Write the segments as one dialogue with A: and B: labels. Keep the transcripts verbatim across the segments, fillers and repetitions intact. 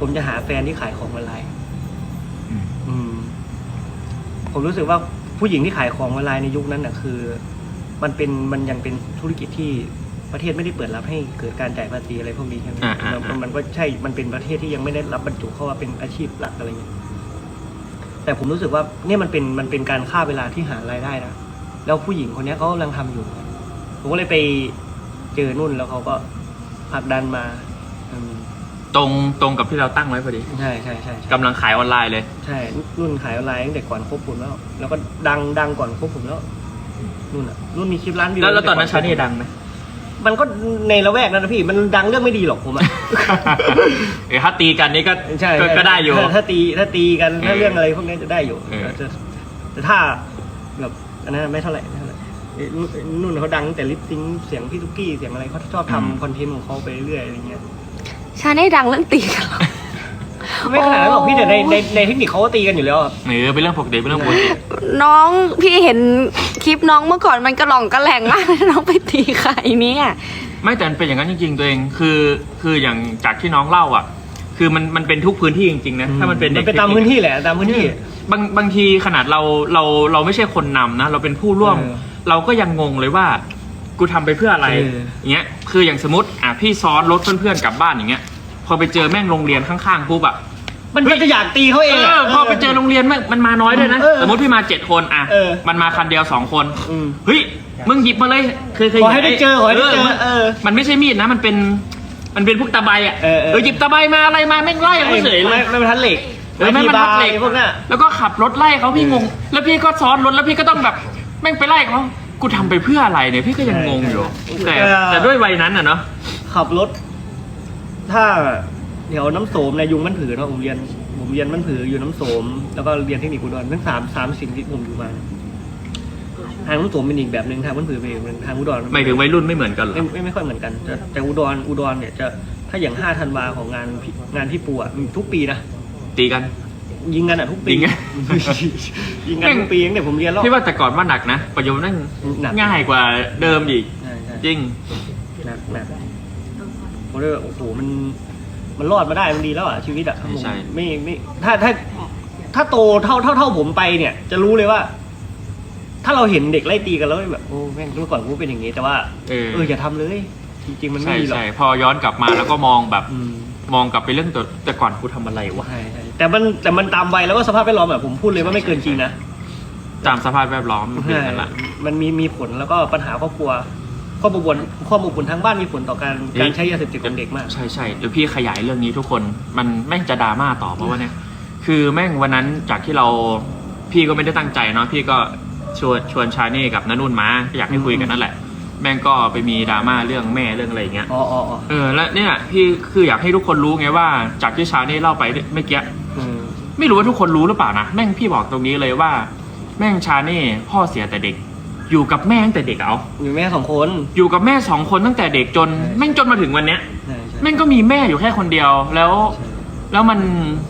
A: ผมจะหาแฟนที่ขายของออนไลน์อืมผมรู้สึกว่าผู้หญิงที่ขายของออนไลน์ในยุคนั้นน่ะคือ มันเป็นมันยังเป็นธุรกิจที่ประเทศไม่ได้เปิดรับให้เกิดการจ่ายภาษีอะไรพวกนี้ใช่ไหมมันมันก็ใช่มันเป็นประเทศที่ยังไม่ได้รับบรรจุเข้าว่าเป็นอาชีพหลักอะไรอย่างเงี้ยแต่ผมรู้สึกว่าเนี่ยมันเป็นมันเป็นการฆ่าเวลาที่หารายได้นะแล้วผู้หญิงคนนี้เขากำลังทำอยู่ผมก็เลยไปเจอนุ่นแล้วเขาก็ผลักดันมา
B: ตรงตรงกับที่เราตั้งไว้พอดี
A: ใช่ใช่ใช่
B: กำลังขายออนไลน์เลย
A: ใช่นุ่นขายออนไลน์ตั้งแต่ก่อนคบผมแล้วแล้วก็ดังดังก่อนคบผมแล้วนุ่นอ่ะนุ่นมีคลิปร้านวิว
B: แล้วตอนนั้นชานี่ดังไหม
A: มันก็ในละแวกนั้นนะพี่มันดังเรื่องไม่ดีหรอกผมอะ
B: เออถ้าตีกันนี่ก็
A: ใช่
B: ก็ได้อยู่
A: ถ้าตีถ้าตีกันถ้าเรื่องอะไรพวกนี้จะได้อยู่แต่ถ้าแบบอันนั้นไม่เท่าไหร่ไม่เท่าไหร่นุ่นเขาดังแต่ลิปซิงเสียงพี่ตุ๊กกี้เสียงอะไรเขาชอบทำคอนเทนต์ของเขาไปเรื่อยอะไรเงี้ย
C: ชานี่ดังเรื่องตีกันหรอ
A: ไม่ขนาดนั้นหรอกพี่แต่ในในในเทคนิคเขาก็ตีกันอยู่แล้ว
B: เออเป็นเรื่องปกติเป็นเรื่องปกติ
C: น้องพี่เห็นคลิปน้องเมื่อก่อนมันกระหล่องกระแหลงมากน้องไปตีใครเนี่ย
B: ไม่แต่เป็นอย่างนั้นจริงๆตัวเองคือคืออย่างจากที่น้องเล่าอ่ะคือมันมันเป็นทุกพื้นที่จริงๆนะถ้ามันเป็น
A: มันเป็นตามพื้นที่แหละตามพื้นที่
B: บางบางทีขนาดเราเราเราไม่ใช่คนนำนะเราเป็นผู้ร่วมเราก็ยังงงเลยว่ากูทำไปเพื่ออะไรอย่างเงี้ยคืออย่างสมมติอ่ะพี่ซ้อนรถเพื่อนๆกลับบ้านอย่างเงี้ยพอไปเจอแม่งโรงเรียนข้างๆปุ๊บอ่ะ
A: มันจะอยากตีเขาเอง
B: พอไปเจอโรงเรียนแม่งมันมาน้อยด้วยนะสมมติพี่มาเจ็ดคนอ่ะมันมาคันเดียวสองคนเฮ้ยมึงหยิบมาเลยเคยเคย
A: ขอให้ได้เจอขอให้ได้เจอ
B: มันไม่ใช่มีดนะมันเป็นมันเป็นพวกตะไบอ่ะเออหยิบตะไบมาอะไรมาแม่งไล่เขาเฉยเลย
A: ไม่ไม่ทันเหล็ก
B: ไม่ไม่ทันเหล็กพวกนี้แล้วก็ขับรถไล่เขาพี่งงแล้วพี่ก็ซ้อนรถแล้วพี่ก็ต้องแบบแม่งไปไล่เขากูทำไปเพื่ออะไรเนี่ยพี่ก็ยังงงอยู่แต่แต่ด้วยวัยนั้นอ่ะเนาะ
A: ขับรถถ้าแถวน้ำโสมในยุงมันผือเนาะผมเรียนผมเรียนมันผืออยู่น้ำโสมแล้วก็เรียนเทคนิคอุดรทั้งสามสามสิ่งที่ผมอยู่มาทางน้ำโสมเป็นอีกแบบหนึ่งทางมันผือเป็นอีกแบบทางอุดร
B: ไม่ถึงวัยรุ่นไม่เหมือนกันหรอ
A: ไม่ไม่ค่อยเหมือนกันแต่อุดรอุดรเนี่ยจะถ้าอย่างห้าธันวาของงานงานพี่ปูอ่ะทุกปีนะ
B: ตีกัน
A: ยิงกันอ่ะทุกปียิงกันยิงกันทุกปีเนี่ยผมเรียนแล้ว
B: พี่ว่าแต่ก่อนว่าหนักนะปัจจุบันนั่งง่ายกว่าเดิมอีกจริง
A: หนักหนักผมเลยโอ้โหมันมันรอดมาได้มันดีแล้วอ่ะชีวิตอ่ะ
B: ใช่
A: ไม่ไม่ถ้าถ้าถ้าโตเท่าเท่าเท่าผมไปเนี่ยจะรู้เลยว่าถ้าเราเห็นเด็กไล่ตีกันแล้วแบบโอ้แม่งเมื่อก่อนกูเป็นอย่างงี้แต่ว่าเออเอออย่าทำเลยจริงๆมันไม่ดีหรอก
B: ใช่พอย้อนกลับมาแล้วก็มองแบบมองกลับไปเรื่องตัวแต่ก่อนกูทำอะไรวะ
A: ใช่ใช่แต่มันแต่มันตามวัยแล้วก็สภาพแวดล้อมแบบผมพูดเลยว่าไม่เกินจริงนะ
B: ตามสภาพแวดล้อม
A: นั่นแหละมันมีมีผลแล้วก็ปัญหาครอบครัวข้อมูลข้อมูลผลทางบ้านมีผลต่อการการใช้ยาเสพติดของเด็กมาก
B: ใช่ใช่เดี๋ยวพี่ขยายเรื่องนี้ทุกคนมันแม่งจะดราม่าต่อเพราะว่าเนี่ยคือแม่งวันนั้นจากที่เราพี่ก็ไม่ได้ตั้งใจเนาะพี่ก็ชวนชวนชาเน่กับนนุ่นมาอยากให้คุยกันนั่นแหละแม่งก็ไปมีดราม่าเรื่องแม่เรื่องอะไรอย่างเงี้ย
A: อ๋ออ๋อ
B: เออแล้วเนี่ยพี่คืออยากให้ทุกคนรู้ไงว่าจากที่ชาเน่เล่าไปเมื่อกี้ไม่รู้ว่าทุกคนรู้หรือเปล่านะแม่งพี่บอกตรงนี้เลยว่าแม่งชาเน่พ่อเสียแต่เด็กอยู่กับแม่ตั้งแต่เด็กเอา
A: อยู่แม่สองคน
B: อยู่กับแม่สองคนตั้งแต่เด็กจนแม่งจนมาถึงวันเนี้ยแม่งก็มีแม่อยู่แค่คนเดียวแล้วแล้วมัน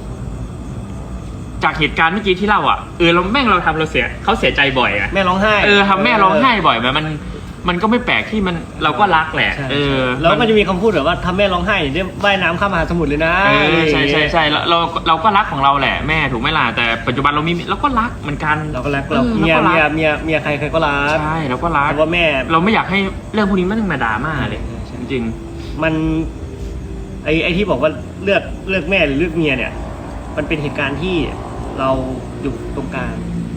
B: จากเหตุการณ์เมื่อกี้ที่เล่าอ่ะเออเราแม่งเราทำเราเสียเขาเสียใจบ่อยอ่ะ
A: แม่ร้องไห้
B: เออทำแม่ร้องไห้บ่อยแบบมันมันก็ไม่แปลกที่มันเราก็รักแหละเออ
A: แล้วก็จะมีคำพูดแบบว่าทำแม่ร้องไห้อย่างนี้ว่ายน้ำข้ามมหาสมุทรเลยนะ
B: ใช่ใช่ใช่เราเราก็รักของเราแหละแม่ถูกไหมล่ะแต่ปัจจุบันเรามีเราก็รักเหมือนกัน
A: เราก็รักเราเมียเมียเมียเมียใครใครก็รัก
B: ใช่เราก็รัก
A: แต่ว่าแม่
B: เราไม่อยากให้เรื่องพวกนี้มันต้องมาดราม่าเลยจริง
A: มันไอไอที่บอกว่าเลือกเลือกแม่หรือเลือกเมียเนี่ยมันเป็นเหตุการณ์ที่เราอยู่ตรงกลาง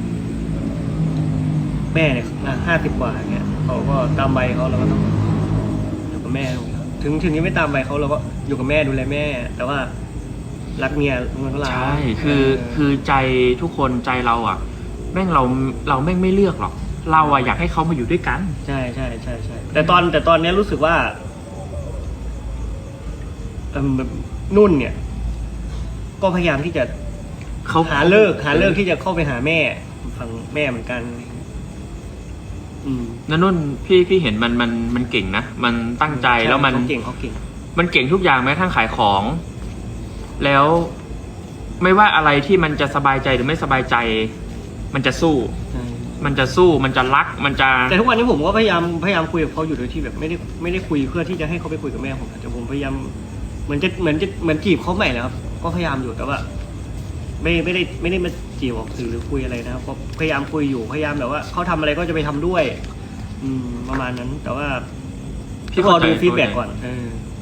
A: แม่เนี่ยห้าสิบกว่าเนี่ยเขาก็ตามใบเขาเราก็ต้องอยู่กับแม่ถึงถึงนี้ไม่ตามใบเขาเราก็อยู่กับแม่ดูแลแม่แต่ว่ารักเมียมันก็รัก
B: ใช่คือคือใจทุกคนใจเราอ่ะแม่งเราเราแม่งไม่เลือกหรอกเราอ่ะอยากให้เขามาอยู่ด้วยกัน
A: ใช่ใช่ใช่ใช่แต่ตอนแต่ตอนนี้รู้สึกว่านุ่นเนี่ยก็พยายามที่จะ
B: เขา
A: หาเลิกหาเลิกที่จะเข้าไปหาแม่ฝั่งแม่เหมือนกัน
B: นั่นนุ่นพี่พี่เห็นมันมันมันเก่งนะมันตั้งใจแล้วมัน
A: เก่งเขาเก่ง
B: มันเก่งทุกอย่างแม้ทั้งขายของแล้วไม่ว่าอะไรที่มันจะสบายใจหรือไม่สบายใจมันจะสู้มันจะสู้มันจะรักมันจะ
A: แต่ทุกวันนี้ผมก็พยายามพยายามคุยกับเขาอยู่โดยที่แบบไม่ได้ไม่ได้คุยเพื่อที่จะให้เขาไปคุยกับแม่ผมแต่ผมพยายามเหมือนจะเหมือนจะเหมือนจีบเขาใหม่แล้วครับก็พยายามอยู่แต่ว่า ไม่ไม่ได้ไม่ได้มาจีบออกสื่อหรือคุยอะไรนะครับก็พยายามคุยอยู่พยายามแบบว่าเขาทำอะไรก็จะไปทำด้วย อืมประมาณนั้น แต่ว่า
B: พี่
A: รอ
B: เข้าใจ
A: ดูฟีดแบ็ก
B: เข้าใจ
A: ก่อนเออ